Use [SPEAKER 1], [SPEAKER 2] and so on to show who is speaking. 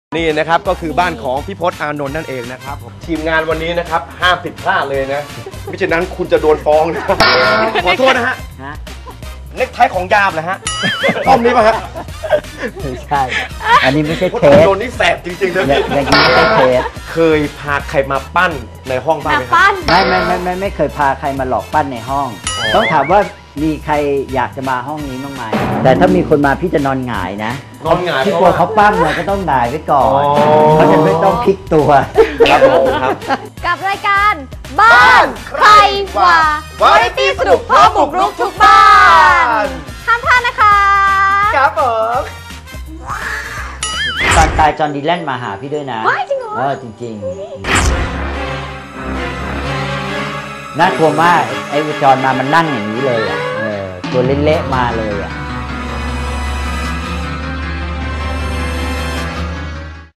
[SPEAKER 1] นี่นะครับก็คือบ้านของพี่พศอานนท์นั่นเองนะครับทีมงานวันนี้นะครับห้ามผิดพลาดเลยนะไม่เช่นนั้นคุณจะโดนฟ้องนะขอโทษนะฮะเน็กไทของยามนะฮะต้อมนี้ป่ะฮะ
[SPEAKER 2] ไม่ใช่อันนี้ไม่ใช่เทส
[SPEAKER 1] โดนนี่แสบจริงๆนะ
[SPEAKER 2] อย่างนี้ไม่ใช่เทส
[SPEAKER 1] เคยพาใครมาปั้นในห้องบ้างไหมครับ
[SPEAKER 2] ไม่เคยพาใครมาหลอกปั้นในห้องต้องถามว่ามีใครอยากจะมาห้องนี้บ้างไหมแต่ถ้ามีคนมาพี่จะนอนหงายนะ
[SPEAKER 1] นอนหงาย
[SPEAKER 2] พี่กลัวเขาปั้มเราก็ต้องหงายไว้ก่อนเขาจะไม่ต้องพลิกตัว
[SPEAKER 1] ครับผมครับ
[SPEAKER 3] กับรายการบ้านใครว่าวาไรตี้สนุกพร้อมบุกรุกทุกบ้านห้ามพลาดนะคะ
[SPEAKER 1] ครับผม
[SPEAKER 2] ตอนตายจอห์นดีแลนมาหาพี่ด้วยนะ
[SPEAKER 3] ว้ายจริงเหรอ
[SPEAKER 2] จริงๆน่ากลัวมากไอ้จอห์นมามันนั่งอย่างนี้เลยอ่ะตัวเละๆมาเลยอ่ะ